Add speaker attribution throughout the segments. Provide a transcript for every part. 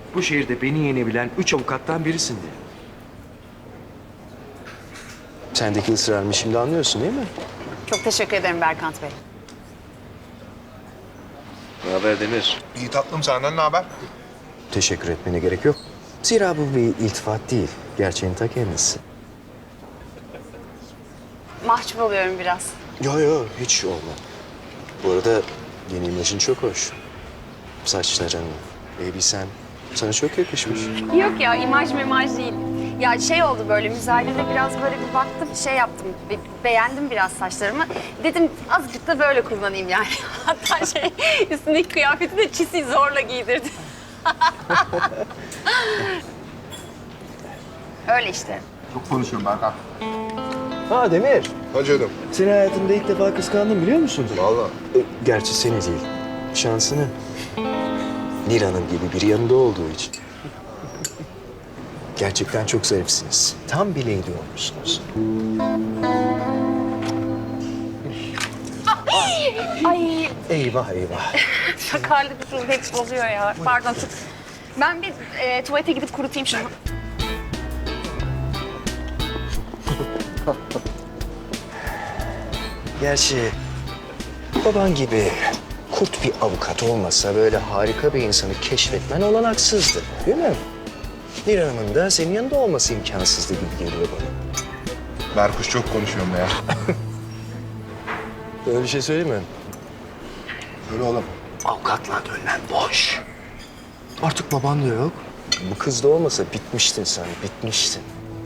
Speaker 1: bu şehirde beni yenebilen 3 avukattan birisin diye. Sendeki ısrarımı şimdi anlıyorsun değil mi?
Speaker 2: Çok teşekkür ederim Berkant Bey.
Speaker 1: Ne haber Demir?
Speaker 3: İyi tatlım, senden ne haber?
Speaker 1: Teşekkür etmene gerek yok. Zira bu bir iltifat değil. Gerçeğin ta kendisi.
Speaker 2: Mahcup oluyorum biraz.
Speaker 1: Yo hiç olma. Bu arada yeni imajın çok hoş. Saçların, elbisen sana çok yakışmış.
Speaker 2: Yok ya imaj değil. Ya şey oldu böyle müzayede biraz böyle bir baktım şey yaptım. Beğendim biraz saçlarımı. Dedim azıcık da böyle kullanayım yani. Hatta şey üstündeki kıyafeti de çisi zorla giydirdi. Öyle işte.
Speaker 3: Çok konuşuyorum Berkan.
Speaker 1: Ha Demir,
Speaker 3: Ha canım.
Speaker 1: seni hayatımda ilk defa kıskandım biliyor musun?
Speaker 3: Vallahi.
Speaker 1: Gerçi seni değil, şansını. Nil Hanım gibi biri yanında olduğu için. Gerçekten çok zarifsiniz. Tam bir lady olmuşsunuz.
Speaker 2: Ay
Speaker 1: Eyvah eyvah.
Speaker 2: sakarlık hep bozuyor ya. Pardon. Ben bir tuvalete gidip kurutayım şunu.
Speaker 1: Gerçi baban gibi kurt bir avukat olmasa böyle harika bir insanı keşfetmen olanaksızdı, değil mi? Nil Hanım'ın da senin yanında olması imkansızdı gibi geliyor bana.
Speaker 3: Berkuş çok konuşuyorum ya.
Speaker 1: Öyle bir şey söyleyeyim mi?
Speaker 3: Öyle oğlum.
Speaker 1: Avukatla dönmen boş. Artık baban da yok. Bu kız da olmasa bitmiştin sen, bitmiştin.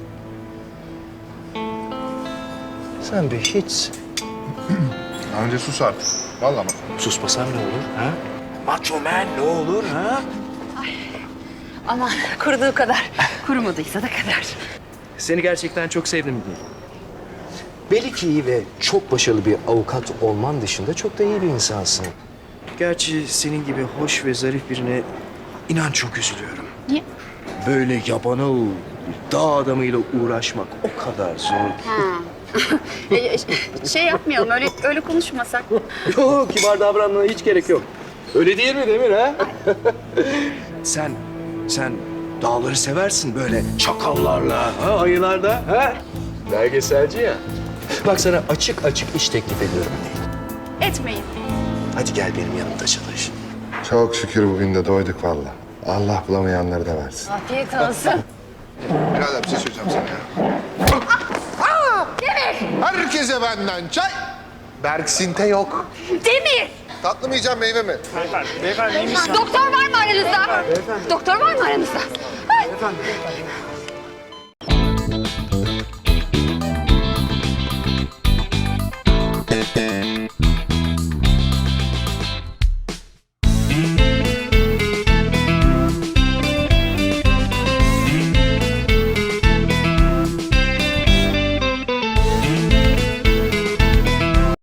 Speaker 1: Sen bir hiçsin.
Speaker 3: Önce sus artık. Vallahi bak.
Speaker 1: Susmasan ne olur ha? Macho man ne olur ha?
Speaker 2: Ama kuruduğu kadar. Kurumadıysa da kadar.
Speaker 1: Seni gerçekten çok sevdim değil. Belli ki iyi ve çok başarılı bir avukat olman dışında çok da iyi bir insansın. Gerçi senin gibi hoş ve zarif birine inan çok üzülüyorum.
Speaker 2: Niye?
Speaker 1: Böyle yabana dağ adamıyla uğraşmak o kadar zor ki.
Speaker 2: Şey yapmayalım öyle konuşmasak.
Speaker 1: Yok, kibar davranmana hiç gerek yok. Öyle değil mi Demir ha? sen dağları seversin böyle çakallarla, ha, ayılarla, ha? Belgeselci ya. Bak sana açık açık iş teklif ediyorum.
Speaker 2: Etmeyin.
Speaker 1: Hadi gel benim yanımda çalış.
Speaker 3: Çok şükür bugün de doyduk vallahi. Allah bulamayanları da versin.
Speaker 2: Afiyet olsun.
Speaker 3: Birader bir şey söyleyeceğim sana ya.
Speaker 2: Demir!
Speaker 3: Herkese benden çay. Berksinte yok.
Speaker 2: Demir!
Speaker 3: Tatlı mı yiyeceğim, meyve mi?
Speaker 2: Doktor var mı aranızda? Doktor var mı aranızda? Ay.